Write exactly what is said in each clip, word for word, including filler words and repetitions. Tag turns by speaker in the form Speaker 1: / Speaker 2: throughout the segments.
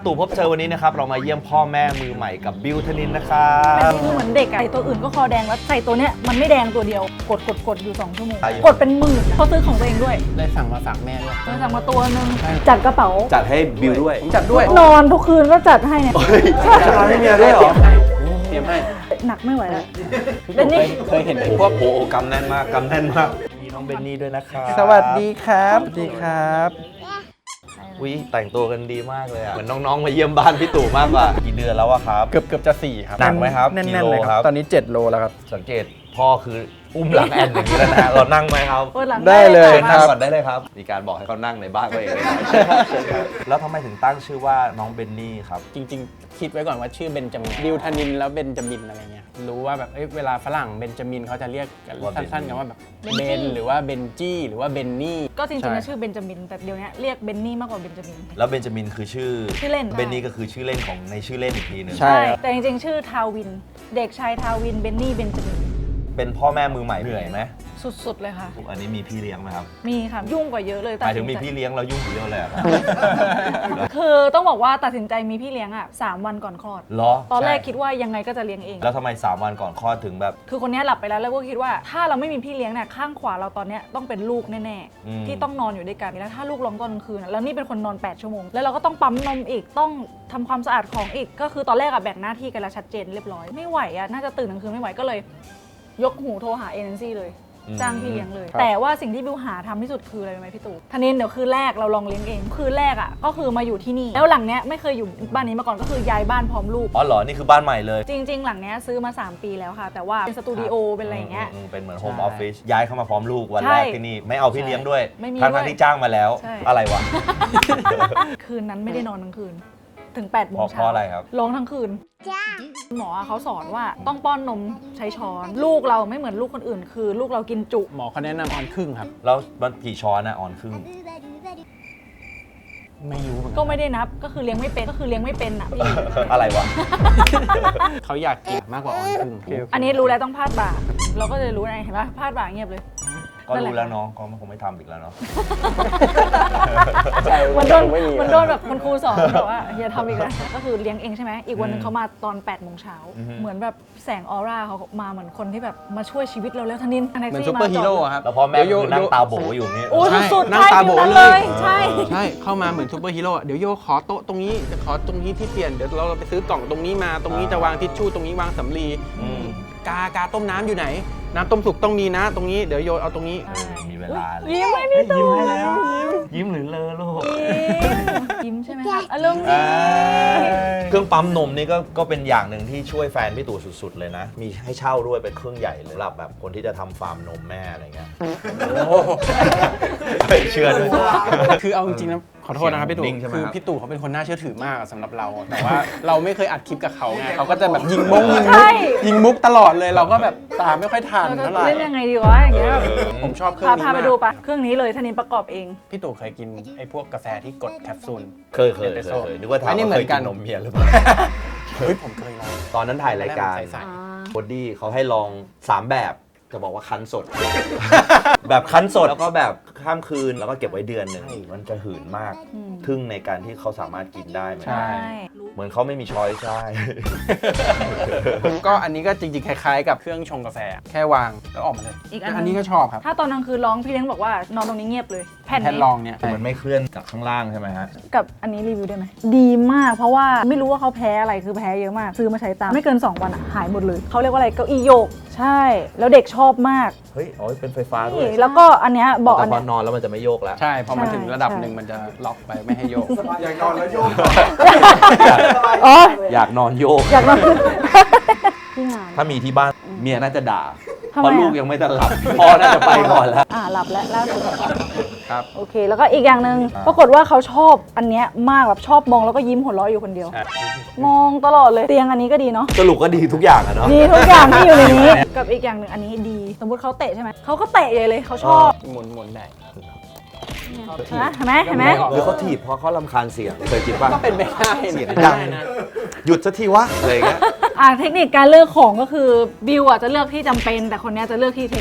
Speaker 1: ตู่พบเจอวันนี้นะครับเรามาเยี่ยมพ่อแม่มือใหม่กับบิวธนินนะครับ
Speaker 2: คือเหมือนเด็กอะใส่ตัวอื่นก็คอแดงแล้วใส่ตัวเนี้ยมันไม่แดงตัวเดียวกดกดกดอยู่สองชั่วโมงกดเป็นหมื่นเขาซื้อของตัวเองด้วย
Speaker 3: ได้สั่งมาฝากแม่ด้วย
Speaker 2: เลยสั่งมาตัวนึงจัดกระเป๋า
Speaker 1: จัดให้บิวด้วย
Speaker 3: ผมจัดด้วย
Speaker 2: นอนทุกคืนก็จัดให้เนี่ย
Speaker 1: จะนอนให้เมียด้วยเหรอ
Speaker 3: เตรียมให้
Speaker 2: หนักไม่ไหวแล้ว
Speaker 3: เบนนี่เคยเห็นพวก
Speaker 1: โอ้โหกำแน่นมากกำแน่นมากมีน้องเบนนี่ด้วยนะครับ
Speaker 3: สวัสดีครับสวัสดีครับ
Speaker 1: วิแต่งตัวกันดีมากเลยอ่ะเหมือนน้องๆมาเยี่ยมบ้านพี่ตู่มากกว่ากี่เดือนแล้วอะครับ
Speaker 3: เกือบเกือบจะสี่ครับ
Speaker 1: หนักไหมครับ
Speaker 3: แน่นๆเลยครับตอนนี้เจ็ดโลแล้วครับ
Speaker 1: สังเกตพ่อคืออุ้มหลังแอนอย่างนี้แล้วนะเรานั่งไหมครับ
Speaker 3: ได้เลย
Speaker 1: นั่งก่อนได้เลยครับมีการบอกให้เขานั่งในบ้านตัวเองแล้วทำไมถึงตั้งชื่อว่าน้องเบนนี่ครับ
Speaker 3: จริงๆคิดไว้ก่อนว่าชื่อเบนจามินบิวธนินแล้วเบนจามินอะไรเงี้ยรู้ว่าแบบเวลาฝรั่งเบนจามินเขาจะเรียกสั้นๆกันว่าแบบเบนหรือว่าเบนจี้หรือว่าเบนนี่
Speaker 2: ก็จริงๆชื่อเบนจามินแต่เดี๋ยวนี้เรียกเบนนี่มากกว่าเบนจามิน
Speaker 1: แล้วเบนจามินคือชื่อ
Speaker 2: ชื่อเล่น
Speaker 1: เบนนี่ก็คือชื่อเล่นของในชื่อเล่นอีกทีนึง
Speaker 2: ใช่แต่จริงๆชื่อทาวินเด็กชายทาวินเบนนี่เบนจามิน
Speaker 1: เป็นพ่อแม่มือใหม่เหนื่อยไหม
Speaker 2: สุดๆเลยค่ะ
Speaker 1: อันนี้มีพี่เลี้ยงไหมครับ
Speaker 2: มีค่ะยุ่งกว่าเยอะเลย
Speaker 1: หมายถึงมีพี่เลี้ยงเรายุ่งเยอะเลยครับ
Speaker 2: คือต้องบอกว่าตัดสินใจมีพี่เลี้ยงอ่ะสามวันก่อนคลอด
Speaker 1: เหรอ
Speaker 2: ตอนแรกคิดว่ายังไงก็จะเลี้ยงเอง
Speaker 1: แล้วทำไมสามวันก่อนคลอดถึงแบบ
Speaker 2: คือคนนี้หลับไปแล้วแล้วก็คิดว่าถ้าเราไม่มีพี่เลี้ยงเนี่ยข้างขวาเราตอนนี้ต้องเป็นลูกแน่ๆที่ต้องนอนอยู่ด้วยกันแล้วถ้าลูกร้องตอนกลางคืนแล้วนี่เป็นคนนอนแปดชั่วโมงแล้วเราก็ต้องปั๊มนมอีกต้องทำความสะอาดของอีกก็คือตอนแรกอะแบ่งหน้าที่กันแล้วชัดเจนเรียบร้อยไม่ไหวอะน่าจะตื่นกลางคืนไม่ไหวก็เลยยกหูโทรหาเอเจนซี่เลยจ้างพี่เลี้ยงเลยแต่ว่าสิ่งที่บิวหาทำที่สุดคืออะไรรู้ไหมพี่ตู่ธนินเดี๋ยวคืนแรกเราลองเลี้ยงเองคืนแรกอ่ะก็คือมาอยู่ที่นี่แล้วหลังเนี้ยไม่เคยอยู่บ้านนี้มาก่อนก็คือย้ายบ้านพร้อมลูก
Speaker 1: อ๋อเหรอนี่คือบ้านใหม่เลย
Speaker 2: จริงๆหลังเนี้ยซื้อมาสามปีแล้วค่ะแต่ว่าเป็นสตูดิโอเป็นอะไรอย่างเงี้ย
Speaker 1: เป็นเหมือนโฮมออฟฟิศย้ายเข้ามาพร้อมลูกวันแรกที่นี่ไม่เอาพี่เลี้ยงด้วยทั้งที่จ้างมาแล้วอะไรวะ
Speaker 2: คืนนั้นไม่ได้นอนทั้งคืนถึงแปดโมงเช้า
Speaker 1: เพราะอะไรครับ
Speaker 2: ร้องทั้งคืนหมอเขาสอนว่าต้องป้อนนมใช้ช้อนลูกเราไม่เหมือนลูกคนอื่นคือลูกเรากินจุ
Speaker 3: หมอเขาแนะนำออนครึ่งครับ
Speaker 1: แล้วมันกี่ช้อนนะออนครึ่ง
Speaker 3: ไม่รู้
Speaker 2: ก็ไม่ได้นับก็คือเลี้ยงไม่เป็นก็คือเลี้ยงไม่เป็นอ่ะพี่
Speaker 1: อะไรวะ
Speaker 3: เขาอยากกินมากกว่าออนครึ่ง
Speaker 2: อันนี้รู้แล้วต้องพาดบ่าเราก็จะรู้ไงเห็นปะพาดบ่าเงียบเลย
Speaker 1: ก็รู้แล้วเนาะก็คงไม่ทำอีกแล้วเนาะ
Speaker 2: มันโดนมันโดนแบบคุณครูสอนแบบว่าอย่าทำอีกแล้วก็คือเลี้ยงเองใช่ไหมอีกวันนึงเขามาตอนแปดโมงเช้าเหมือนแบบแสงออร่าเขามาเหมือนคนที่แบบมาช่วยชีวิตเราแล้วทนิน
Speaker 3: เหมือนซูเปอร์ฮีโร่ครับ
Speaker 1: แล้วพอแม่คือนั่งตาโบอยู่นี่
Speaker 2: โอ้สุดๆ
Speaker 3: นั่งตาโบเลย
Speaker 2: ใช่
Speaker 3: ใช่เข้ามาเหมือนซูเปอร์ฮีโร่เดี๋ยวโยขอโต๊ะตรงนี้ขอตรงนี้ที่เปลี่ยนเดี๋ยวเราไปซื้อกล่องตรงนี้มาตรงนี้จะวางทิชชู่ตรงนี้วางสำลีกากาต้มน้ำอยู่ไหนน้ำต้มสุกต้องมีนะตรงนี้เดี๋ยวโยเอาตรงนี้
Speaker 1: มีเวลาเลย
Speaker 2: ยิ้มให้พี่ตู่
Speaker 1: ยิ้มให้แล้วยิ้มหรือเลอลูก
Speaker 2: ยิ้มใช่ไหมคะอารมณ์ดี
Speaker 1: เครื่องปั๊มนมนี่ก็ก็เป็นอย่างหนึ่งที่ช่วยแฟนพี่ตู่สุดๆเลยนะมีให้เช่าด้วยเป็นเครื่องใหญ่เลยสำหรับแบบคนที่จะทำฟาร์มนมแม่อะไรเงี้ยเชื่อด้วย
Speaker 3: คือเอาจริงๆนะขอโทษนะครับพี่ตู่คือพี่ตู่เขาเป็นคนน่าเชื่อถือมากสำหรับเราแต่ว่าเราไม่เคยอัดคลิปกับเขาไงเขาก็จะแบบยิงมุกยิงมุกยิงมุกตลอดเลยเราก็แบบตามไม่ค่อยทันเท่าไหร่
Speaker 2: เล่นยังไงดีวะอย่างเงี้ย
Speaker 3: ผมชอบเครื่องนี้
Speaker 2: พาไปดูปะเครื่องนี้เลยธนินประกอบเอง
Speaker 3: พี่ตู่เคยกินไอ้พวกกาแฟที่กดแคปซูล
Speaker 1: เคยเคยเคยนึกว่าถามว่าเคยกินนมเมียหรือเปล่า
Speaker 3: เฮ้ยผมเคยลอง
Speaker 1: ตอนนั้นถ่ายรายการบอดี้เขาให้ลองสามแบบจะบอกว่าคั้นสดแบบคั้นสดแล้วก็แบบข้ามคืนแล้วก็เก็บไว้เดือนหนึ่งมันจะหืนมากทึ่งในการที่เขาสามารถกินได้
Speaker 3: ใช่
Speaker 1: เหมือนเขาไม่มีช้อยใช่
Speaker 3: ก็อันนี้ก็จริงๆคล้ายๆกับเครื่องชงกาแฟแค่วางแล้วออกมาเลย
Speaker 2: อีก
Speaker 3: อันนี้ก็ชอบครับ
Speaker 2: ถ้าตอนกลางคืนร้องพี่เลี้ยงบอกว่านอนตรงนี้เงียบเลย
Speaker 3: แผ่นรองเนี่ย
Speaker 1: มันไม่เคลื่อนจากข้างล่างใช่ไหมฮะ
Speaker 2: กับอันนี้รีวิวได้ไหมดีมากเพราะว่าไม่รู้ว่าเขาแพ้อะไรคือแพ้เยอะมากซื้อมาใช้ตามไม่เกินสองวันหายหมดเลยเขาเรียกว่าอะไรเก้าอี้โยกใช่แล้วเด็กชอบมาก
Speaker 1: เฮ้ยอ๋อเป็นไฟฟ้าด้วย
Speaker 2: แล้วก็อันเนี้ยบอก
Speaker 1: อันนี้นอนแล้วมันจะไม่โยกแล้ว
Speaker 3: ใช่พอมันถึงระดับหนึ่งมันจะล็อกไปไม่ให้โยก
Speaker 4: อยากนอนแล้วโยก
Speaker 2: อ๋อ
Speaker 1: อยากนอนโยก
Speaker 2: อยากนอน
Speaker 1: ถ้ามีที่บ้านเมียน่าจะด่าเพราะลูกยังไม่ทันหลับพ่อน่าจะไปก่อนแล้ว
Speaker 2: อ่าหลับแล้วล่าสุด
Speaker 3: ครับ
Speaker 2: โอเคแล้วก็อีกอย่างหนึ่งปรากฏว่าเขาชอบอันเนี้ยมากแบบชอบมองแล้วก็ยิ้มหัวเราะอยู่คนเดียวมองตลอดเลยเตียงอันนี้ก็ดีเนาะ
Speaker 1: สรุปก็ดีทุกอย่างอะเนาะ
Speaker 2: ดีทุกอย่างที่อยู่ในนี้กับอีกอย่างหนึ่งอันนี้ดีสมมติเขาเตะใช่ไหมเขาก็เตะใหญ่เลยเขาชอบ
Speaker 3: หมุนหมุนได้
Speaker 2: เห็นไหมเห็นไหม
Speaker 1: หรือเขาถีบเพราะเขารำคาญเสียงเคยคิดป่ะ
Speaker 3: ก็เป็นไปได้
Speaker 1: เสียงดังหยุดสักทีวะอะไรเงี้ย
Speaker 2: อ่าเทคนิคการเลือกของก็คือบิวอ่ะจะเลือกที่จำเป็นแต่คนนี้จะเลือกที่เทคโนโลยี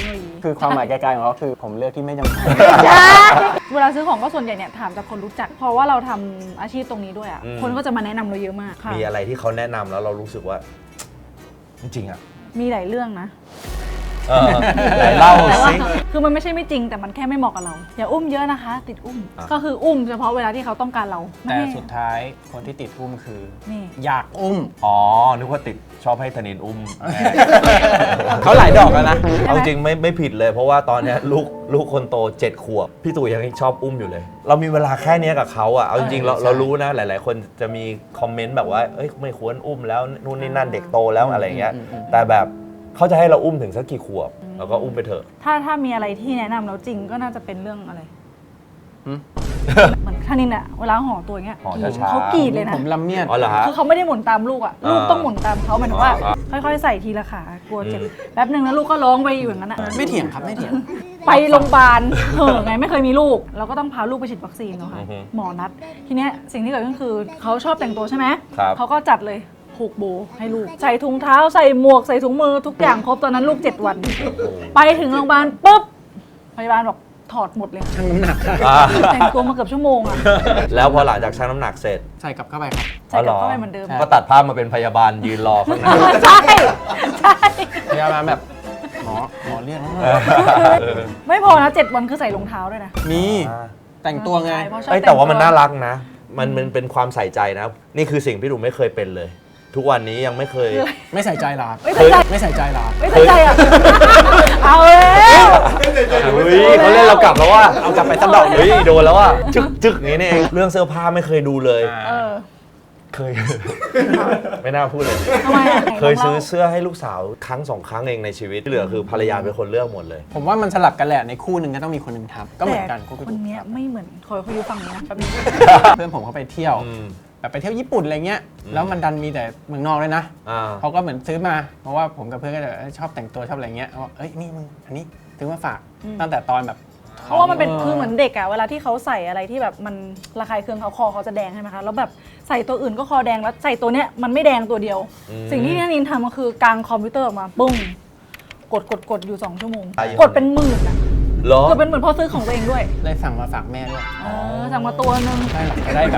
Speaker 3: คือความหมายไกลๆของเขาคือผมเลือกที่ไม่จำเป็น
Speaker 2: เวลาซื้อของก็ส่วนใหญ่เนี่ยถามจากคนรู้จัก เพราะว่าเราทำอาชีพตรงนี้ด้วยอ่ะ
Speaker 1: อืม
Speaker 2: คนก็จะมาแนะนำเราเยอะมากค่ะ
Speaker 1: มีอะไรที่เขาแนะนำแล้วเรารู้สึกว่า จริงๆอ่ะ
Speaker 2: มีหลายเรื่องนะ
Speaker 1: เออไหนเล่า
Speaker 2: แต่ว่า
Speaker 1: สิ
Speaker 2: คือมันไม่ใช่ไม่จริงแต่มันแค่ไม่เหมาะกับเรา อย่าอุ้มเยอะนะคะ ติดอุ้ม
Speaker 1: อ่ะ
Speaker 2: ก็คืออุ้มเฉพาะเวลาที่เขาต้องการเรา
Speaker 3: แต่
Speaker 2: ไม่
Speaker 3: สุดท้ายคนที่ติดอุ้มคือ
Speaker 2: นี่
Speaker 3: อยากอุ้ม
Speaker 1: อ๋อ นึกว่าติดชอบให้ธนินอุ้ม
Speaker 3: เขาหลายดอกแล้วนะ
Speaker 1: เอาจริงไม่ไม่ผิดเลย เพราะว่าตอนเนี้ยลูกลูกคนโตเจ็ดขวบ พี่ตู่ยังชอบอุ้มอยู่เลย เรามีเวลาแค่เนี้ยกับเขาอ่ะ เอาจริงๆเรา
Speaker 3: ใช่
Speaker 1: เรารู้นะ หลาย ๆ คนจะมีคอมเมนต์แบบว่า เอ้ยไม่ควรอุ้มแล้วนู่นนี่นั่นเด็กโตแล้วอะไรเงี้ย แต่แบบเขาจะให้เราอุ้มถึงสักกี่ขวบเราก็อุ้มไปเถอะ
Speaker 2: ถ้าถ้ามีอะไรที่แนะนำเราจริงก็น่าจะเป็นเรื่องอะไร
Speaker 3: หืม
Speaker 2: เหมือนท่านินอะเวลาห่อตัวอย่างเงี้ย
Speaker 1: ห่อช้าๆ
Speaker 2: เขากรีดเลยนะ
Speaker 3: ผมลำเมียด
Speaker 1: อ๋อเหรอฮะ
Speaker 2: คือเขาไม่ได้หมุนตามลูกอะลูก
Speaker 1: อ่า
Speaker 2: ต้องหมุนตามเขาหมายถึงว่า
Speaker 1: อ่า
Speaker 2: ค่อยๆใส่ทีละขากลัวเจ็บ
Speaker 1: อืม
Speaker 2: แป๊บหนึ่งแล้วลูกก็ร้องไปอยู่อย่างนั้นอะ
Speaker 3: ไม่เถียงครับไม่เถียง
Speaker 2: ไปโรงพยาบาลเห่อะไงไม่เคยมีลูก เราก็ต้องพาลูกไปฉีดวัคซีนเนาะค่ะ
Speaker 1: อือฮึ
Speaker 2: หมอนัด ทีเนี้ยสิ่งที่เกิดขึ้นคือเขาชอบแต่งตัวใช่ไหม
Speaker 1: ครับ
Speaker 2: เขาก็จัดเลยผูกโบให้ลูก ใส่ถุงเท้าใส่หมวกใส่ถุงมือทุกอย่างครบตอนนั้นลูกเจ็ดวัน ไปถึงโรงพยาบาลปุ๊บพยาบาลบอกถอดหมดเลย
Speaker 3: ชั่งน้ำหนัก
Speaker 1: อ่า
Speaker 2: แต่งตัวมาเกือบชั่วโมงอะ
Speaker 1: แล้วพอหลังจากชั่งน้ำหนักเสร็จ
Speaker 3: ใส่กลับเข้าไปครับ
Speaker 2: ใส่กลับเข้าไปเหมือนเดิม
Speaker 1: ก็ตัดภาพมาเป็นพยาบาลยืนรอข้างหน้า
Speaker 2: ใช่ใช่
Speaker 3: พยาบาลแบบหมอหมอเรียก
Speaker 2: ไม่พอนะเจ็ดวันคือใส่รองเท้าด้วยนะ
Speaker 3: มีแต่งตัวไง
Speaker 2: ใช่เพราะชอบ
Speaker 1: เอ้ยแต่ว่ามัน
Speaker 2: ง
Speaker 1: น่ารักนะ มันมันเป็นความใส่ใจนะ นี่คือสิ่งพี่ดูไม่เคยเป็นเลย ทุกวันนี้ยังไม่เคย
Speaker 3: ไม่ใส่ใจหรอครับ
Speaker 2: ไม่ใส่ใจ
Speaker 3: ไม่ใส่ใจหรอ
Speaker 2: ไม่ใส่ใจอ่ะ เอาแล้ว
Speaker 1: เฮ้ยเขาเล่นเรากลับแล้วว่า
Speaker 3: เอากลับไปสักดอก
Speaker 1: เฮ้ยโดนแล้วว่าจึกจึกอย่างนี้นี่เองเรื่องเสื้อผ้าไม่เคยดูเลย
Speaker 2: เออ
Speaker 1: เคย ไม่น่าพูดเลย
Speaker 2: ทำไมอ่ะ
Speaker 1: เคยซื้อเสื้อให้ลูกสาวครั้งสองครั้งเองในชีวิตที่เหลือคือภรรยาเป็นคนเลือกหมดเลย
Speaker 3: ผมว่ามันสลับกันแหละในคู่หนึ่งก็ต้องมีคนหนึ่งทำก็เหมือนกัน
Speaker 2: แต่
Speaker 3: คู่
Speaker 2: คนเนี้ยไม่เหมือนคอยเขาอยู่ฝั่งนี้นะแป๊บนึง
Speaker 3: เพื่อนผมเขาไปเที่ยว
Speaker 1: อืม
Speaker 3: แบบไปเที่ยวญี่ปุ่นอะไรเงี้ย
Speaker 1: อืม
Speaker 3: แล้วมันดันมีแต่เมืองนอกเลยนะ
Speaker 1: อ่า
Speaker 3: เขาก็เหมือนซื้อมา เพราะว่าผมกับเพื่อนก็จะเอ้ยชอบแต่งตัวชอบอะไรเงี้ยเขาบอกเอ้ยนี่มึงอันนี้ซื้อมาฝาก
Speaker 2: อืม
Speaker 3: ตั้งแต่ตอนแบบ
Speaker 2: เพราะว่ามันเป็นคือเหมือนเด็กอะเวลาที่เขาใส่อะไรที่แบบมันระคายเคืองเขาคอเขาจะแดงใช่ไหมคะแล้วแบบใส่ตัวอื่นก็คอแดงแล้วใส่ตัวเนี้ยมันไม่แดงตัวเดียว
Speaker 1: อืม
Speaker 2: สิ่งที่นันนินทำก็คือกางคอมพิวเตอร์ออกมาปุ้งกดกดกดอยู่สองชั่วโมง
Speaker 1: ใช่อยู่
Speaker 2: กดเป็นหมื่นอะ
Speaker 1: เหรอ
Speaker 2: กดเป็นหมื่นเพราะซื้อของตัวเองด้วย
Speaker 3: เลยสั่งมาฝากแม่ด้วย
Speaker 2: เออสั่งมาตัวนึง
Speaker 3: ใช่หรอกจะได้แบบ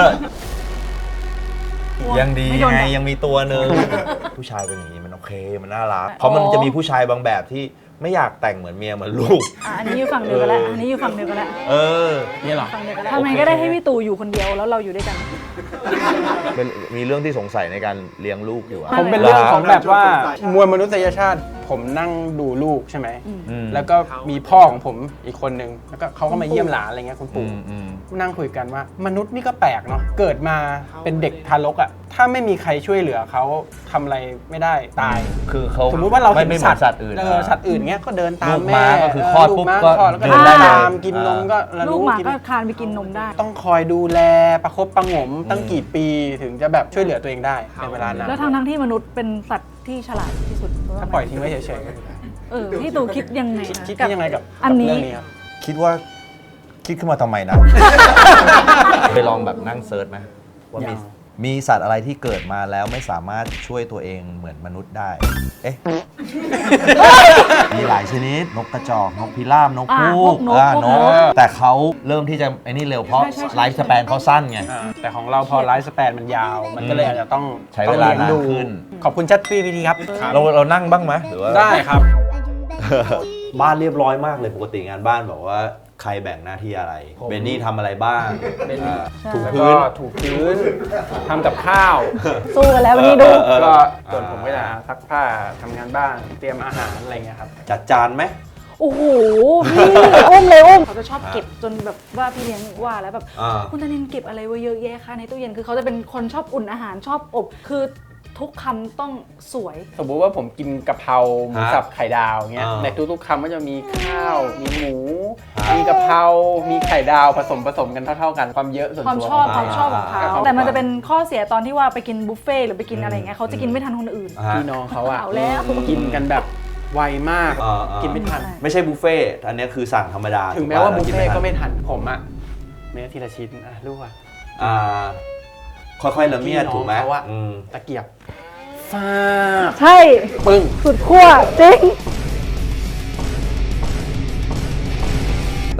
Speaker 1: ยังดี
Speaker 2: ไม่โดน
Speaker 1: ไง
Speaker 2: ด่า
Speaker 1: ยังมีตัวหนึ่ง ผู้ชายเป็นอย่างนี้มันโอเคมันน่ารักเพราะมันจะมีผู้ชายบางแบบที่ไม่อยากแต่งเหมือนเมียเหมือนลูก
Speaker 2: อ่ะอันนี้อยู่ฝั่งเดียวกันแล้วอันนี้อยู่ฝั่งเดียวกันแล้ว
Speaker 1: เออ
Speaker 3: นี่เหรอ
Speaker 2: ฝั่งเดียวกันแล้วทำไมก็ได้ให้พี่ตู่อยู่คนเดียวแล้วเราอยู่ด้วยกัน
Speaker 1: เป็นมีเรื่องที่สงสัยในการเลี้ยงลูกอยู่อะ
Speaker 3: ผมเป็นเรื่องของแบบว่ามวลมนุษยชาติ ผมนั่งดูลูกใช่ไหม
Speaker 1: อืม
Speaker 3: แล้วก็มีพ่อของผมอีกคนนึงแล้วก็เขาก็มาเยี่ยมหลานอะไรเงี้ยคุณ
Speaker 1: อื
Speaker 3: ปู่
Speaker 1: มอืม
Speaker 3: นั่งคุยกันว่ามนุษย์นี่ก็แปลกเนาะเกิดมาเป็นเด็กทารกอ่ะถ้าไม่มีใครช่วยเหลือเขาทำอะไรไม่ได้ตาย
Speaker 1: คือเขา
Speaker 3: สมมุติว่าเรา
Speaker 1: ไม่
Speaker 3: เห็น
Speaker 1: ไม่เหมื
Speaker 3: สั
Speaker 1: อ
Speaker 3: ต
Speaker 1: น
Speaker 3: ว์
Speaker 1: สัตว์อื่น
Speaker 3: เออสัตว์อื่นเงี้ยก็เดินตาม
Speaker 1: ลูก
Speaker 3: แม่
Speaker 1: ม้าก็คือคลอด
Speaker 3: ลูก
Speaker 1: ปุ๊บ
Speaker 3: ม้า
Speaker 1: ก็
Speaker 3: คลอดแล้วก็
Speaker 1: เดิ
Speaker 3: เดิ
Speaker 1: น
Speaker 3: น
Speaker 1: ได้เลย
Speaker 3: ตามกินนมก็ระ
Speaker 2: ลูก
Speaker 3: รู้
Speaker 2: หมา
Speaker 3: กิน
Speaker 2: ก็คลานไปกินนมได้
Speaker 3: ต้องคอยดูแลประคบประหงมตั้งกี่ปีถึงจะแบบช่วยเหลือตัวเองได้ในเวลานาน
Speaker 2: แล้วทั้งทั้งๆที่มนุษย์เป็นสัตว์ที่ฉลาดที่สุด
Speaker 3: ถ้าปล่อยทิ้งไว้เฉยๆก็
Speaker 2: เออพี่ตู่คิดยังไง
Speaker 3: คิด
Speaker 2: นะ
Speaker 3: คิดยังไงกับ
Speaker 2: อันนี้
Speaker 3: กับเรื่องนี้ครับ
Speaker 1: คิดว่าคิดขึ้นมาทำไมนะ ไปลองแบบนั่งเซิร์ชไหมว่ามี
Speaker 3: ยัง
Speaker 1: มีสัตว์อะไรที่เกิดมาแล้วไม่สามารถช่วยตัวเองเหมือนมนุษย์ได้ เอ๊ะ มีหลายชนิด นกกระจอก นกพิราบ นก
Speaker 2: อ่ะ
Speaker 1: ฮูก
Speaker 2: พวกนก
Speaker 1: อ่า
Speaker 2: พวก
Speaker 1: น
Speaker 2: น
Speaker 1: ก
Speaker 2: ก
Speaker 1: แต่เขาเริ่มที่จะไอ้นี่เร็วเพราะ
Speaker 2: ใช่ใช่ใช่
Speaker 1: ไลฟ์สแปนเขาสั้นไง
Speaker 3: อ่าแต่ของเราพอไลฟ์สแปนมันยาว มันก็เลยอาจจะต้อง
Speaker 1: ใช้เวลา
Speaker 3: ต้องยงดู
Speaker 1: นานขึ้น
Speaker 3: ขอบคุณชัดพี่พีทีครับ
Speaker 1: เราเรานั่งบ้างไหมหรือว่า
Speaker 3: ได้ครับ
Speaker 1: บ้านเรียบร้อยมากเลยปกติงานบ้านบอกว่าใครแบ่งหน้าที่อะไร
Speaker 3: ผม
Speaker 1: เบนนี่ทำอะไรบ้าง
Speaker 3: เบนนี่
Speaker 1: อ่า
Speaker 2: ใช่
Speaker 1: ถู
Speaker 3: แล้ว
Speaker 1: พื้
Speaker 3: ก็
Speaker 1: น
Speaker 3: ถูพื้นทำกับข้าว
Speaker 2: สู้กันแล้ววันนี้ดู
Speaker 1: เออ
Speaker 3: ก็ส่วนผมก็จะซักผ้าทำงานบ้านเตรียมอาหารอะไรเงี้ยครับ
Speaker 1: จัดจานไหม
Speaker 2: โอ้โหพี่อุ้มเลยอุ้มเขาจะชอบเก็บจนแบบว่าพี่เลี้ยงว่าแล้วแบบ
Speaker 1: อ่า
Speaker 2: คุณธนินเก็บอะไรไว้เยอะแยะคะในตู้เย็นคือเขาจะเป็นคนชอบอุ่นอาหารชอบอบ คือทุกคำต้องสวย
Speaker 3: สมมุติว่าผมกินกะเพราหมู
Speaker 1: ฮะ
Speaker 3: สับไข่ดาวเงี้ย
Speaker 1: อ่า
Speaker 3: ในทุกๆคำก็จะมีข้าว มีหมู
Speaker 1: ฮะ
Speaker 3: มีกะเพรา มีไข่ดาวผสมผสมกันเท่าๆกันความเยอะส่วน
Speaker 2: ความ
Speaker 3: ตัว
Speaker 2: ชอบ
Speaker 3: ข
Speaker 2: ค
Speaker 3: ง
Speaker 2: วามชอบของเขา
Speaker 3: อ่า
Speaker 2: แต่มันจะเป็นข้อเสียตอนที่ว่าไปกินบุฟเฟ่ต์หรือไปกินอะไรอย่างเงี้ยเขาจะกินไม่ทันคนอื่น
Speaker 1: อ่าฮะ
Speaker 3: พี่น้องเขาอะ
Speaker 2: เอาแล้ว
Speaker 3: กินกันแบบไวมาก
Speaker 1: อ่าอ่ากิ
Speaker 3: กินไม่ทัน
Speaker 2: ใช่
Speaker 1: ไม่ใช่บุฟเฟ่ต์อันเนี้ยคือสั่งธรรมดา
Speaker 3: ถึงแม้ว่าบุฟเฟ่ต์ก็ไม่ทันผมอะเนื้อทีละชิ้นอะลูกอะ
Speaker 1: อ่าค่อยๆละเมียด
Speaker 3: พี่น้อง
Speaker 1: ถูกไหม
Speaker 3: เขาอะ
Speaker 1: อืม
Speaker 3: ตะเกียบฟาด
Speaker 2: ใช่
Speaker 3: ปึ้ง
Speaker 2: สุดขั้วจริง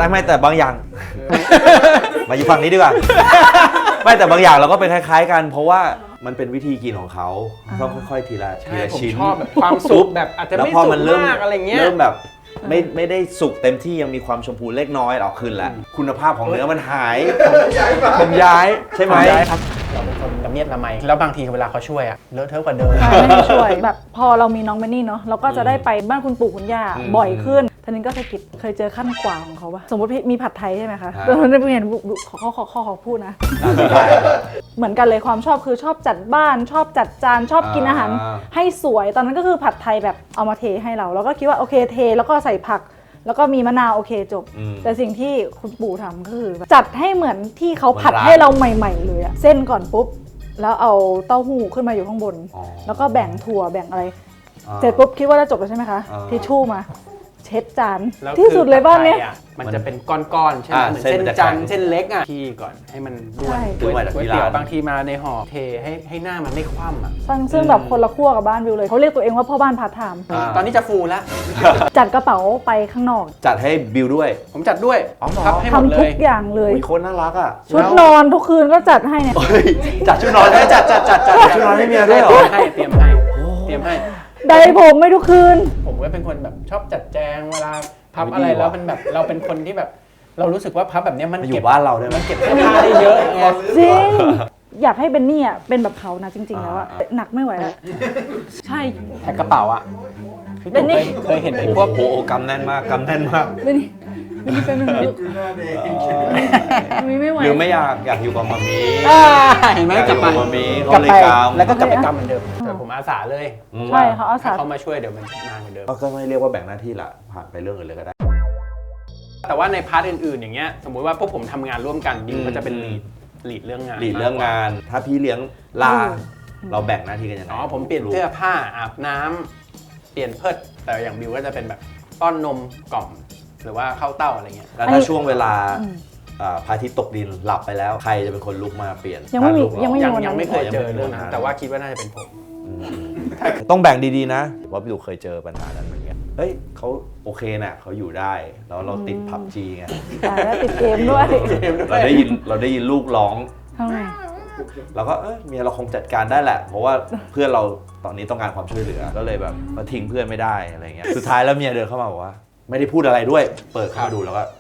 Speaker 1: แต่ไม่แต่บางอย่าง มาอยู่ฝั่งนี้ดีกว่า ไม่แต่บางอย่างเราก็เป็นคล้ายๆกัน เพราะว่ามันเป็นวิธีกินของเขาต้องค่อยๆทีละที
Speaker 3: ใช่
Speaker 1: ละ
Speaker 3: ผม
Speaker 1: ชิ้น
Speaker 3: ชอบแบบความสุกแบบอาจจะ
Speaker 1: แล้ว
Speaker 3: ไม่
Speaker 1: พอ
Speaker 3: สุ
Speaker 1: มั
Speaker 3: ก
Speaker 1: นเริ่ม
Speaker 3: มากอะไรเงี้ย
Speaker 1: เริ่มแบบไม่ไม่ได้สุกเต็มที่ยังมีความชมพูเล็กน้อยเอาขึ้นแล้วคุณภาพของเนื้อมันหายผมย้ายใช่ไหม
Speaker 3: ผมย้ายครับเราเป็นคนละเมียดละไมแล้วบางทีเวลาเขาช่วยอะเลอะเทอะกว่าเดิม
Speaker 2: ใช่ไม่ให้ช่วยแบบพอเรามีน้องเบนนี่เนาะเราก็จะได้ไปบ้านคุณปู่คุณย่าบ่อยขึ้นท่านี้ก็สะกิดเคยเจอขั้นกว่าของเขาปะสมมติมีผัดไทยใช่ไหมคะตอนนั้นเห็นขอขอขอขอขอพูดนะ เหมือนกันเลยความชอบคือชอบจัดบ้านชอบจัดจานชอบกินอาหารให้สวยตอนนั้นก็คือผัดไทยแบบเอามาเทให้เราแล้วก็คิดว่าโอเคเทแล้วก็ใส่ผัก แล้วก็มีมะนาวโอเคจบ แต่สิ่งที่คุณปู่ทำก็คือจัดให้เหมือนที่เขาผัดให้เราใหม่ๆเลยอะเส้นก่อนปุ๊บแล้วเอาเต้าหู้ขึ้นมาอยู่ข้างบน แล้วก็แบ่งถั่วแบ่งอะไรเสร็จปุ๊บคิดว่าจะจบแล้วใช่ไหมคะทิชชู่มาเช็ดจานที่สุดเลยบ้านเนี้ย
Speaker 3: มันจะเป็นก้อนๆใช่ไหมเหมือนเส้นจันทร์เส้นเล็กอ่ะที่ก่อนให้มันด้วนก๋วยเตี๋ยวบางทีมาในห่อเทให้ให้หน้ามันไม่คว่ำอ่ะ
Speaker 2: ซึ่งแบบคนละขั้วกับบ้านวิวเลยเขาเรียกตัวเองว่าพ่อบ้านพาร์ทไทม์
Speaker 3: ตอนนี้จะฟูแล้ว
Speaker 2: จัดกระเป๋าไปข้างนอก
Speaker 1: จัดให้บิวด้วย
Speaker 3: ผมจัดด้วย
Speaker 1: อ๋อเหรอ
Speaker 3: พับให้หมดเล
Speaker 2: ทำทุ
Speaker 3: ย
Speaker 2: กอย่างเลย
Speaker 1: โคนน่ารักอ่ะ
Speaker 2: ชุดนอนทุกคืนก็จัดให้เนี่ย
Speaker 1: เฮ้ยจัดชุดนอนให้จัดจัดจัดจัดชุดนอนให้เมียด้วยเหรอ
Speaker 3: ให้เตรียมให้เตรียมให้
Speaker 2: ไดผมไม่ทุกคืน
Speaker 3: ผมก็เป็นคนแบบชอบจัดแจงเวลาพับอะไรแล้วมันแบบเราเป็นคนที่แบบเรารู้สึกว่าพับแบบนี้มัน
Speaker 1: มาอ
Speaker 3: เก็บ
Speaker 1: ยู่บ้านเราได้ไหม
Speaker 3: มันเก็บเสื้อผ้าได้เยอะไง
Speaker 2: จริง อยากให้เบนนี่อ่ะเป็นแบบเขานะจริง ๆ แล้วอ่ะหนักไม่ไหวแล้วใช่
Speaker 3: แพ็คกระเป๋าอ่ะพี่
Speaker 2: เป็นนี่
Speaker 3: ตู่เคยเคยเห็นไอ้
Speaker 1: โอ้
Speaker 3: พวก
Speaker 1: โหกำแน่นมากกำแน่นมาก
Speaker 2: เบนนี่เบนนี่เป็นหนึ่งลูกมีไม่ไหว
Speaker 1: หรือไม่อยากอยากอยู่กับมามี
Speaker 3: อ่าเห็นไหม
Speaker 1: อยาก
Speaker 3: ก
Speaker 1: อ
Speaker 3: ลับ
Speaker 1: ยู่
Speaker 3: ไป
Speaker 1: กับมามี
Speaker 3: กลั
Speaker 1: เขา
Speaker 3: บ
Speaker 1: เลย
Speaker 3: ไป
Speaker 1: กำ
Speaker 3: แล้วก็กลับไปกรรมเหมือนเดิมแต่ผมอาสาเลย
Speaker 2: ใช่เขาอาสา
Speaker 3: ถ้าเขามาช่วยเดี๋ยวมันนานเหมือนเดิม
Speaker 1: ก็ไม่เรียกว่าแบ่งหน้าที่ละผ่านไปเรื่องอื่นเลยก็ได้
Speaker 3: แต่ว่าในพาร์ทอื่นๆอย่างเงี้ยสมมุติว่าพวกผมทำงานร่วมกันดิว
Speaker 1: อืม
Speaker 3: ก็จะเป็นลีดลีดเรื่องงาน
Speaker 1: หลีดเรื่องงาน ถ้าพี่เลี้ยงลาเราแบ่งหน้าที่กันยังไง
Speaker 3: อ๋อผมเปลี่ยนเสื้อผ้าอาบน้ำเปลี่ยนเพิดแต่อย่างบิวก็จะเป็นแบบป้อนนมกล่อมหรือว่าเข้าเต้าอะไรเงี้ย
Speaker 1: แล้วถ้าช่วงเวลาอ่าพระอาทิตย์ตกดินหลับไปแล้วใครจะเป็นคนลุกมาเปลี่ยน
Speaker 2: ยังไม่มี
Speaker 1: ถ้าลุก
Speaker 2: ยังไม่
Speaker 3: ยัง
Speaker 2: วันนั้น
Speaker 3: ยังไม่เคยเจอเรื่องนั้นแต่ว่าคิดว่าน่าจะเป็นผม
Speaker 1: อืมต้องแบ่งดีๆนะว่าพี่ดูเคยเจอปัญหานั้นเหมือนกันเฮ้ยเขาโอเคน่ะเขาอยู่ได้แล้วเราติดพับจีไง
Speaker 2: ตายแล้วติดเกมด้วย
Speaker 1: เราได้ยินเราได้ยินลูกร้อง
Speaker 2: ทำไง
Speaker 1: เราก็เออเมียเราคงจัดการได้แหละ เพราะว่าเพื่อนเราตอนนี้ต้องการความช่วยเหลือก็เลยแบบมาทิ้งเพื่อนไม่ได้อะไรเงี้ยสุดท้ายแล้วเมียเดินเข้ามาบอกว่า ไม่ได้พูดอะไรด้วย เปิดเข้ามาดูแล้วก็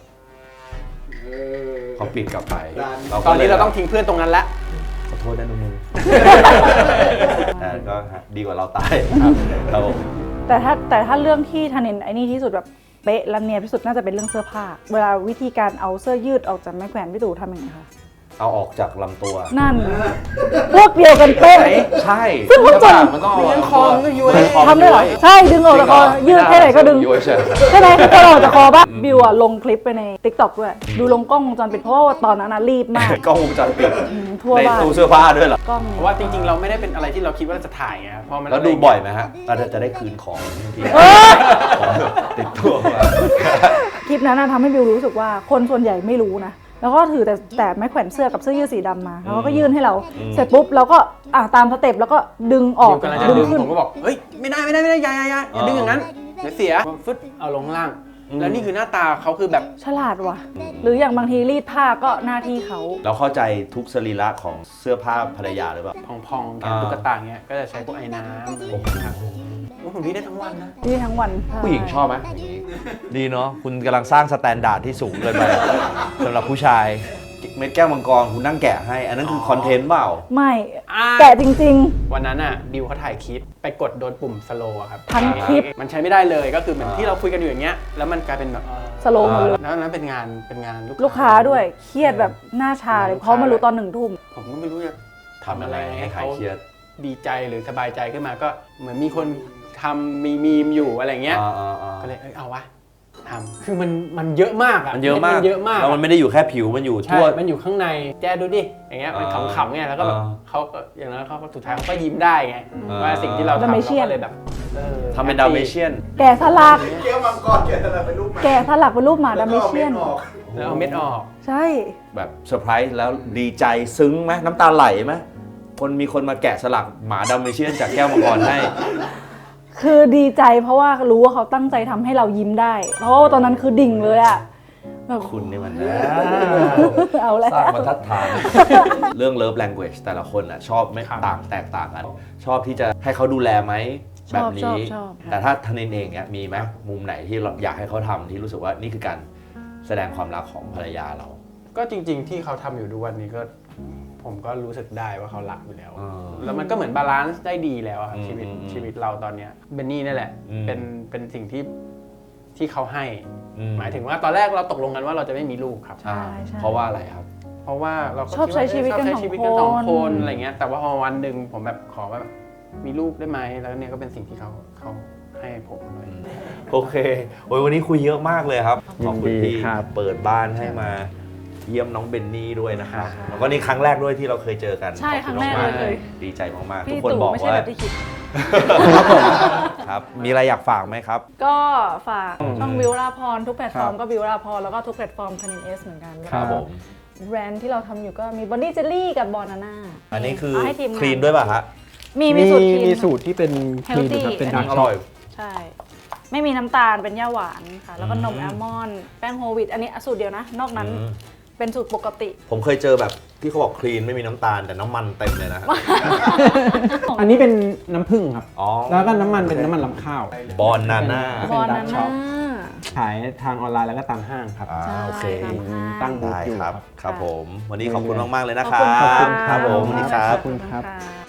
Speaker 1: เขาปิดกลับไป
Speaker 3: ตอนนี้เราต้องทิ้งเพื่อนตรงนั้นละ
Speaker 1: ขอโทษนะนุ่มแต่ก็ดีกว่าเราตายครับ
Speaker 2: แต่ถ้าแต่ถ้าเรื่องที่ทันเห็นไอ้นี่ที่สุดแบบเป๊ะและเนียนที่สุดน่าจะเป็นเรื่องเสื้อผ้า เวลาวิธีการเอาเสื้อยืดออกจากไม้แขวนพี่ตู่ทำยังไงคะ
Speaker 1: เอาออกจากลำตัว
Speaker 2: นั่น พวกเดียวกันเป๊ะ
Speaker 1: ใช่
Speaker 2: ซึ่งคนจน
Speaker 1: มันต้องเอา
Speaker 3: ยัง
Speaker 1: ลำ
Speaker 3: ค
Speaker 1: ตั
Speaker 3: อ
Speaker 1: ว
Speaker 3: มันก็ย้วย
Speaker 2: ทำได้เหรอใช่ดึงออกจากคอยืดแค่ไหนก็ดึง
Speaker 1: ย้วยเฉย
Speaker 2: ใช่ไหมก็ออกจากคอป่ะบิวอะลงคลิปไปใน ติ๊กต็อก ด้วย ดูลงกล้องวงจรปิดเพราะว่าตอนนั้นนะรีบมาก
Speaker 1: กล้องวงจรปิด
Speaker 2: อืมทั่ว
Speaker 1: ใน
Speaker 2: บ้าน
Speaker 1: ตู้เสื้อผ้าด้วยเหรอ
Speaker 2: กล้อง
Speaker 3: เพราะว่าจริงๆเราไม่ได้เป็นอะไรที่เราคิดว่าจะถ่ายไงพอมัน
Speaker 1: แล้วดูบ่อยไหมฮะเราจะได้คืนของที่
Speaker 2: เออ
Speaker 1: ของติดตัวมา
Speaker 2: คลิปนั้นนะทำให้บิวรู้สึกว่าคนส่วนใหญ่ไม่รู้นะแล้วก็ถือแต่แต่ไม้แขวนเสื้อกับเสื้อยืดสีดำมาแล้วก็ยื่นให้เราเสร็จปุ๊บเราก็อ่ะตามสเต็ปแล้วก็ดึงออก
Speaker 3: กำลังจะดึงผมก็บอกเฮ้ยไม่ได้ไม่ได้ไม่ได้อย่าอย่าอย่าอย่าดึงอย่างนั้นเดี๋ยวเสียฟึดเอาลงข้างล่างแล้วนี่คือหน้าตาเขาคือแบบ
Speaker 2: ฉลาดว่ะ หรืออย่างบางทีรีดผ้าก็หน้าที่เขา
Speaker 1: เราเข้าใจทุกสรีระของเสื้อผ้าภรรยาหรือเปล่า
Speaker 3: พองๆแขนตุ๊กตาเงี้ยก็จะใช้พวกไอ้น้ำอะไรอย่างเงี้ยครับโอ้ผมรีดได้ทั้งวันนะ
Speaker 2: รีดทั้งวัน
Speaker 1: ผู้หญิงชอบไหมดีเนาะคุณกำลังสร้างสแตนดาร์ดที่สูงเกินไปสำหรับผู้ชายเม็ดแก้วมังกรคุณนั่งแกะให้ อันนั้นคือคอนเทนต์เปล่า
Speaker 2: ไม่
Speaker 3: อ่า
Speaker 2: แต่จริง
Speaker 3: วันนั้นอ่ะดิวเขาถ่ายคลิปไปกดโดนปุ่มสโลว์ครับ
Speaker 2: ทั้งคลิป
Speaker 3: มันใช้ไม่ได้เลยก็คือเหมือนที่เราคุยกันอยู่อย่างเงี้ยแล้วมันกลายเป็นแบบ
Speaker 2: สโลว์หมดเลย
Speaker 3: แล้วนั้นเป็นงานเป็นงาน
Speaker 2: ลูกค้าด้วยเครียดแบบหน้าชาเลยเพราะมารู้ตอนหนึ่งทุ่ม
Speaker 3: ผมก็ไม่รู้จะ
Speaker 1: ทำอะไรให้หายเครียด
Speaker 3: ดีใจหรือสบายใจขึ้นมาก็เหมือนมีคนทำมีมีมอยู่อะไรเงี้ย
Speaker 1: อ่าอ่าอ่า
Speaker 3: ก็เลยเอ้ยเอาวะทำคือมันมันเยอะมากอ่ะ
Speaker 1: มันเยอะมาก
Speaker 3: เยอะมาก
Speaker 1: แล้วมันไม่ได้อยู่แค่ผิวมันอยู่
Speaker 3: ใช่
Speaker 1: ทั่ว
Speaker 3: มันอยู่ข้างในแจ้ดูดิอย่างเงี้ยมัน
Speaker 1: อ่า
Speaker 3: ขำๆไงแล้วก็แบบ
Speaker 1: อ่า
Speaker 3: เขาก็อย่างนั้นเขาก็สุดท้ายเขาก็ยิ้มได้ไง
Speaker 1: อ่า
Speaker 3: ว่าสิ่งที่เราทำเรา
Speaker 2: Dalmatian
Speaker 3: ก็เลยแบบเออ
Speaker 1: ทำเป็นดาวเมเชียน
Speaker 2: แกะสลัก
Speaker 4: เกี้ยวมังกรแกะสลักเป็นรูปหมา
Speaker 2: แกะสลักเป็นรูปหมาดัมเม
Speaker 4: แล้วก็
Speaker 2: เชียน
Speaker 4: อาม็ดออก
Speaker 3: แล้วเอาเม็ดออก
Speaker 2: ใช่
Speaker 1: แบบเซอร์ไพรส์แล้วดีใจซึ้งไหมน้ำตาไหลไหมคนมีคนมาแกะสลักหมาดาวเมเชียนจากแก้วมังกรให้
Speaker 2: คือดีใจเพราะว่ารู้ว่าเขาตั้งใจทำให้เรายิ้มได้ เพราะว่าตอนนั้นคือดิ่งเลยอะแบบ
Speaker 1: คุณนี่มัน
Speaker 2: เอาแล้ว
Speaker 1: สร้างบรรทัดฐาน เรื่อง love language แต่ละคนอ่ะชอบไม่
Speaker 3: ครับ
Speaker 1: ต่างแตกต่างกัน ชอบที่จะให้เขาดูแลไหม
Speaker 2: ช
Speaker 1: แบ
Speaker 2: อ
Speaker 1: บบ
Speaker 2: ชอบ
Speaker 1: นี้
Speaker 2: ชอบ
Speaker 1: แต่ถ้าทนินเองเนี่ยมีไหมมุมไหนที่เราอยากให้เขาทำที่รู้สึกว่านี่คือการแสดงความรักของภรรยาเรา
Speaker 3: ก็จริง ๆ ที่เขาทำอยู่ทุกวันนี้ก็ผมก็รู้สึกได้ว่าเขารักอยู่แล้ว
Speaker 1: อ่า
Speaker 3: แล้วมันก็เหมือนบาลานซ์ได้ดีแล้วอะครับ
Speaker 1: อืม
Speaker 3: ชีวิต
Speaker 1: อืม
Speaker 3: ชีวิตเราตอนเนี้ยเบนนี่นั่นแหละ
Speaker 1: อืม
Speaker 3: เป็นเป็นสิ่งที่ที่เขาให้
Speaker 1: อื
Speaker 3: หมายถึงว่าตอนแรกเราตกลงกันว่าเราจะไม่มีลูกครับ
Speaker 1: อ่า
Speaker 2: ใช่ใช่
Speaker 1: เพราะว่าอะไรครับ
Speaker 3: เพราะว่าเราก็
Speaker 2: ชอบใช้ชีวิตกัน
Speaker 3: ชอบใช้ชีวิตกันส
Speaker 2: ส
Speaker 3: อ
Speaker 2: อง ง
Speaker 3: ค
Speaker 2: คน น
Speaker 3: อะไรเงี้ยแต่ว่าพอวันหนึ่งผมแบบขอแบบมีลูกได้ไหมแล้วเนี่ยก็เป็นสิ่งที่เขาเขาให้ผมเลย
Speaker 1: โอเคโอ้ยวันนี้คุยเยอะมากเลยครับ ขอบคุณ
Speaker 3: ยินดี
Speaker 1: ที่
Speaker 3: ครับ
Speaker 1: เปิดบ้านให้มาเยี่ยมน้องเบนนี่ด้วยนะครับ แล้วก็นี่ครั้งแรกด้วยที่เราเคยเจอกัน
Speaker 2: ใช่
Speaker 1: ขอบ
Speaker 2: ครั้
Speaker 1: ณ
Speaker 2: งแรก
Speaker 1: มาก
Speaker 2: เลย
Speaker 1: ดีใจมากๆ ทุ
Speaker 2: พี่
Speaker 1: กคน
Speaker 2: ตู่
Speaker 1: บอก
Speaker 2: ไม่ใช่
Speaker 1: ว่า
Speaker 2: แบบที่คิด
Speaker 1: ครับ มีอะไรอยากฝากไหมครับ
Speaker 2: ก็ฝากช่องวิวราพรทุกแพลตฟอร์ม
Speaker 3: ครับ
Speaker 2: ก็วิวราพรแล้วก็ทุกแพลตฟอร์มคานินเอสเหมือนกัน
Speaker 1: ครับผม
Speaker 2: แบรนด์ที่เราทำอยู่ก็มีบอนดี้เจลลี่กับบอนาน่า
Speaker 1: อันนี้คือ
Speaker 2: ให้ทีมงาน
Speaker 1: คลีนด้วยป่ะฮะ
Speaker 2: มีมีสูตรคลีน
Speaker 3: มีสูตรที่เป็นคลีน
Speaker 2: Healthy
Speaker 3: ครับเป็น
Speaker 1: อัน
Speaker 3: ดา
Speaker 1: นี้
Speaker 3: ร์ก
Speaker 1: อ
Speaker 3: ช็อ
Speaker 1: ร่
Speaker 3: ก
Speaker 1: อย
Speaker 2: ใช่ ไม่มีน้ำตาลเป็นย่าหวานค่ะ แล้วก็นม
Speaker 1: อืม
Speaker 2: แอลมอนด์แป้งโฮลวีตอันนี้สูตรเดียวนะ นอกนั้น
Speaker 1: อืม
Speaker 2: เป็นสูตรปกติ
Speaker 1: ผมเคยเจอแบบที่เขาบอกคลีนไม่มีน้ำตาลแต่น้ำมันเต็มเลยนะฮะ
Speaker 3: อันนี้เป็นน้ำผึ้งครับ
Speaker 1: อ๋อ
Speaker 3: แล้วก็น้ำมันเป็นน้ำมันลำข้าว
Speaker 1: บอนนาน่า
Speaker 2: บอนา
Speaker 3: dark shop
Speaker 2: น่า
Speaker 3: ขายทางออนไลน์แล้วก็ตามห้างครับ
Speaker 1: อ่า
Speaker 2: ใช่
Speaker 1: โอเค
Speaker 2: ตามห้าง
Speaker 3: ตั้งบูธ
Speaker 1: ได้
Speaker 3: อยู่
Speaker 1: ครับ
Speaker 3: ครับ
Speaker 1: ครับผม วันนี้ขอบคุณมาก ๆ เลยนะค
Speaker 2: ข
Speaker 1: รั
Speaker 2: อบคุณ
Speaker 1: บ ครับผม
Speaker 2: ข
Speaker 1: นี่
Speaker 2: อณ
Speaker 1: ครับ
Speaker 3: ขอบคุณครับ
Speaker 2: ะ